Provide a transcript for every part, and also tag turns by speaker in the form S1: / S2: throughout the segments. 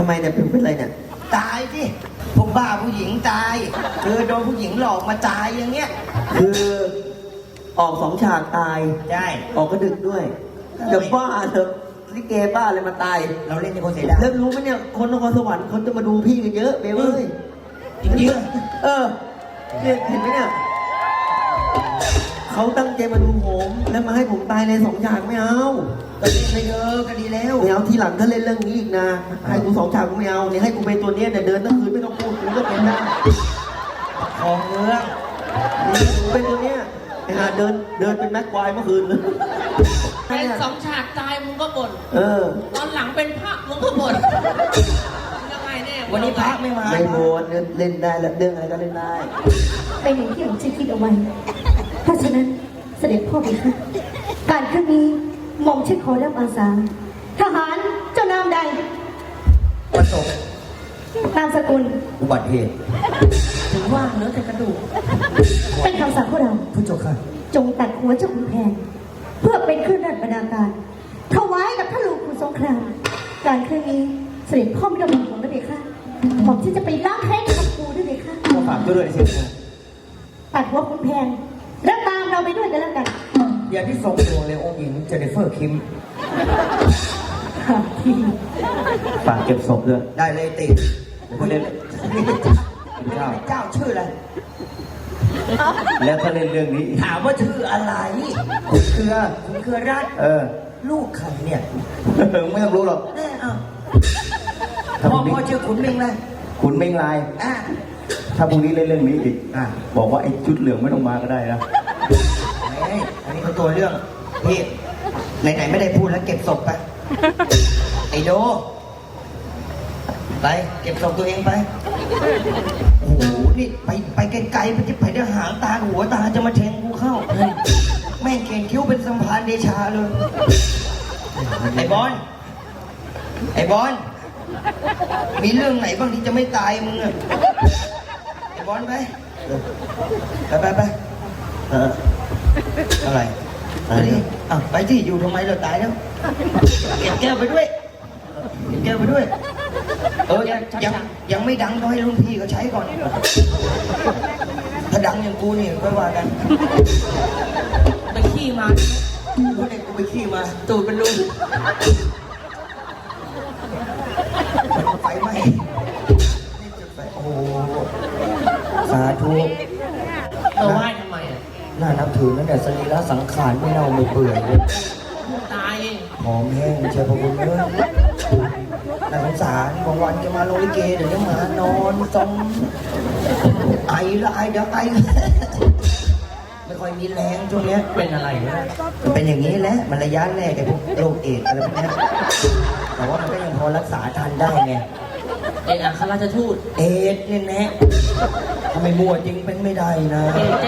S1: ทำไมเนี่ยเป็นไรเนี่ย
S2: ตายสิพวกบ้าผู้หญิงตายโดนผู้หญิงหลอกมาตายอย่างเงี้ย
S1: คือออก2 ฉากตาย
S2: ใช่
S1: ออกกระดึกด้วยจะบ้าเถอะลิเกบ้าเลยมาตาย
S2: เราเล่นในคนเสียดาย
S1: แล้วรู้ไหมเนี่ยคนนครสวรรค์คนจะมาดูพี่กันเยอะเบลเอ้ย
S2: จริง
S1: เนี่ยเห็นไหมเนี่ยเขาตั้งใจมาดูผมแล้วมาให้ผมตายใน2 ฉากไม่เอา
S2: ก็เล่นไปเยอะก็ดีแล้ว
S1: ไม่เอาทีหลังถ้าเล่นเรื่องนี้อีกนะให้กู2 ฉากกูไม่เอาเนี่ยให้กูเป็นตัวเนี้ยแต่เดินทั้งคืนไม่ต้องพูดกูก็เป็นได้
S2: ของเมือง
S1: นี่กูเป็นตัวเนี้ยเดินเป็นแม็กควายเมื่อคืนเลย
S3: เป็น2 ฉากตายมึงก็บ่นตอนหลังเป็นพระมึงก็บ่นยังไงเนี่ย
S2: วันนี้พระไม่มา
S1: ไม่บ่นเล่นได้แล้วเรื่องอะไรก็เล่นได้
S4: เป็นอย่างที่ผมคิดเอาไว้เพราะฉะนั้นเสด็จพ่อพี่ค่ะการครั้งนี้หม่อมฉันขอรับอาสาทหารเจ้านามใด
S2: ประสบ
S4: นามสกุล
S2: อุบัติเหตุ
S3: ถึงว่าเหลือแต่กระดูก
S4: เป็นคำสั่งพวกเรา
S2: ผู้จบค่ะ
S4: จงตัดหัวเจ้าขุนแผนเพื่อเป็นเครื่องราชบรรณาการถวายกับพระลูกขุนสงครามการครั้งนี้เสด็จพ่อไม่ต้องห่วงนะเด็กค่ะหม่อมฉันจะไปล้างแค้นกับกูด้วยเด็กค่ะ
S2: ก็ฝากด้วยสิ
S4: ตัดหัวขุนแผนแล้วตามเราไปด้วยกันแล้วกัน
S2: อย่างที่ทรงดวงเลยองค์หญิงเจเนฟเฟอร์คิม
S1: ฝากเก็บศพด้วย
S2: ได้เลยติดคนเล่นเจ้าชื่ออะไร
S1: แล้วถ้าเล่นเรื่องนี้
S2: ถามว่าชื่ออะไรคุณเครือราชลูกใครเนี่ย
S1: ไม่ต้องรู้หรอก
S2: พ่อชื่อขุนเมงเลย
S1: ขุนเมงลายถ้าพรุ่งนี้เล่นเรื่องนี้อีกบอกว่าไอ้ชุดเหลืองไม่ต้องมาก็ได้นะ
S2: อันนี้เขาตัวเรื่องพี่ไหนๆไม่ได้พูดแล้วเก็บศพไปไอโดไปเก็บศพตัวเองไปโอ้โหนี่ไปไกลๆไปที่ไปได้หางตาหัวตาจะมาแทงกูเข้าแม่งเขียนคิ้วเป็นสัมพันธ์เดชาเลยไอบอลมีเรื่องไหนบ้างที่จะไม่ตายมึงอะไอบอลไปอะไรไปที่อยู่ทำไมเราตายแล้วเก็บแก้วไปด้วยยังไม่ดังก็ให้รุ่นพี่เขาใช้ก่อนถ้าดังอย่างกูนี่ก็ว่ากัน
S3: ไปขี้มา
S2: กูเด็กกูไปขี้มา
S3: ตูดเป็นรู
S2: ไฟไหม้โอ้สาธุ
S3: เราไหว้ทำไม
S2: น่านับถือนั่นแหละสรีระสังขารไม่เน่าไม่เปื่อยเลย
S3: ตาย
S2: หอมแห้งเชียวพระคุณเลยน่าสงสารบางวันจะมาโรงลิเกเดี๋ยวจะมานอนจมไอละไอเดี๋ยวไอไม่ค่อยมีแรงช่วงนี้
S3: เป็นอะไรนะ
S2: เป็นอย่างนี้แหละมันระยะแรกไอ้พวกโรคเอดส์อะไรพวกนี้แต่ว่ามันก็ยังพอรักษาทันได้ไง
S3: อัครราชทูต
S2: เอดส์เนี่ยแน่ทำไมมัวจริงเป็นไม่ได้นะ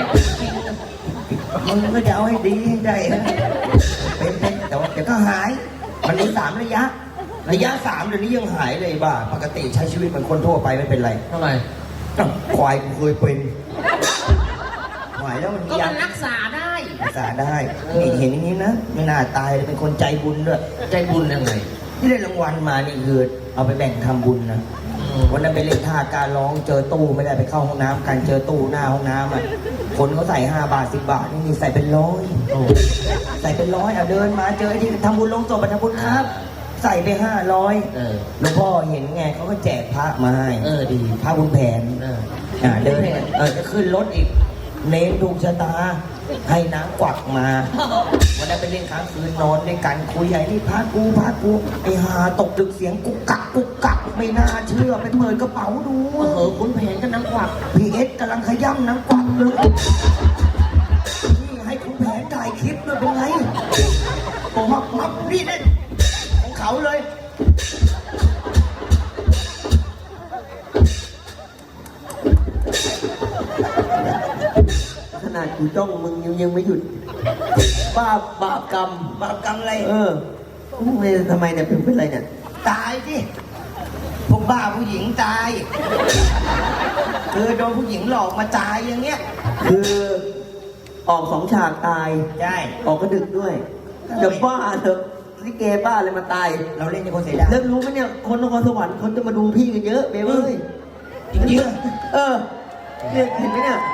S2: มึงก็จะเอาให้ดีให้ได้นะเป็นแต่ว่าเดี๋ยวก็หายมันมี3 ระยะ 3เดี๋ยวนี้ยังหายเลยบ้าปกติใช้ชีวิตเหมือนคนทั่วไปไม่เป็นไร
S3: ทำไม
S2: ควายกูเคยเป็นหายแล้วมัน
S3: ก็มันรักษาได้
S2: นี่เห็นอย่างนี้นะไม่น่าตายเลยเป็นคนใจบุญด้วย
S3: ใจบุญยังไง
S2: ที่ได้รางวัลมานี่คือเอาไปแบ่งทำบุญนะวันนั้นไปเล่นท่าการร้องเจอตู้ไม่ได้ไปเข้าห้องน้ำกันเจอตู้หน้าห้องน้ำคนเขาใส่5 บาท10 บาทนี่ใส่เป็น100ใส่เป็น100เดินมาเจอที่ทำบุญลงศพไปทำบุญครับใส่ไป500หลวงพ่อเห็นไงเขาก็แจกพระมาให้
S3: ดี
S2: พระบุญแผนเดินจะขึ้นรถอีกเน้นถูกชะตาให้น้ำกวักมาวันนั้นไปเล่นค้างคืนนอนในกันคุยใหญ่นี่พากูไอ้หาตกดึกเสียงกุกกักไม่น่าเชื่อไปเปิดกระเป๋าดู
S3: คุณแผนก็น้ำกวัก
S2: พีเอสกำลังขย้ำน้ำกวักเลยนี่ให้คุณแผนถ่ายคลิปด้วยเป็นไงมับนี่เล่นของเขาเลย
S1: ขนาดกูจ้องมึงยังไม่หยุดบาปกรรม
S2: อะไร
S1: ทำไมเนี่ยเป็นไรเนี่ย
S2: ตายสิพวกบ้าผู้หญิงตายโดนผู้หญิงหลอกมาตายอย่างเงี้ย
S1: คือออก2 ฉากตาย
S2: ใช่
S1: ออกกระดึกด้วยจะบ้าเถอะ
S5: ลิเกบ้าอะไรมาตาย
S2: เราเล่นในคนเสียดาย
S5: แล้วรู้ไหมเนี่ยคนนครสวรรค์คนจะมาดูพี่กันเยอะเบลเอ้ย
S2: จริง
S5: เออเนี่ยเห็นไหมเนี่ย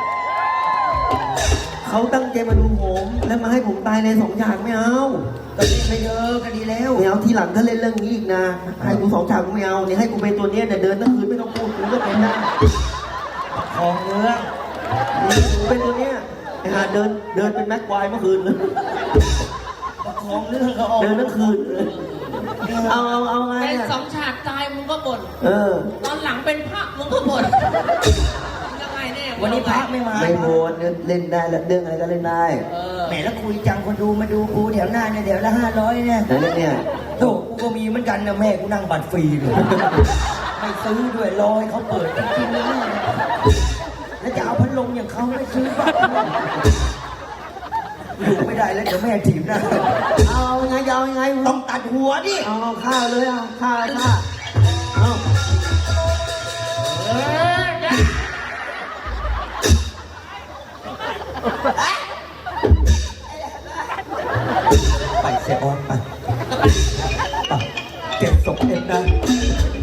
S5: เขาตั้งใจมาดูผมแล้วมาให้ผมตายใน2 ฉากไม่เอา
S2: ๆก็เล่นไปเถอะก็ดีแล้ว
S5: ไม่เอาทีหลังถ้าเล่นเรื่องนี้อีกนะให้กู2 ฉากกูไม่เอาเนี่ยให้กูเป็นตัวเนี้ยเนี่ยเดินทั้งคืนไม่ต้องพูดกูก็เป็นได้
S2: ของเนื้อ
S5: นี่กูเป็นตัวเนี้ยไอ้ห่าเดินเป็นแม็กควายเมื่อคืนเลย
S2: ของเรื่องก็ออก
S5: เดินทั้งคืนเลยเอาไง
S3: เป็น
S5: อะ
S3: 2 ฉากตายมึงก็บ่น
S5: เออ
S3: ตอนหลังเป็นพระมึงก็บ่นยังไงเนี่ย
S2: วันนี้พระไม่มา
S5: ไม่โหดเล่นได้แล้วเรื่องอะไรก็เล่นได้
S2: แหมแล้วคุยจังคนดูมาดูกูแถวหน้าเนี่ยเดี๋ยวละ500เนี่ย
S5: แล้วเนี่ย
S2: โถกูก็มีเหมือนกันนะแม่กูนั่งบัตรฟรีเลยไม่ซื้อด้วยรอให้เขาเปิดจริงๆเลยแล้วจะเอาพัดลมอย่างเขาไม่ซื้อบัตรอยู่ไม่ได้แล้วเดี๋ยวแม่ถีบหนะ
S5: เอาไงจะเอาไง
S2: ต้องตัดหัวดิ
S5: เอาข้าวเลยเอาข้าวเอา
S2: ไปเสียออนไปเก็บศพเอ็มนะ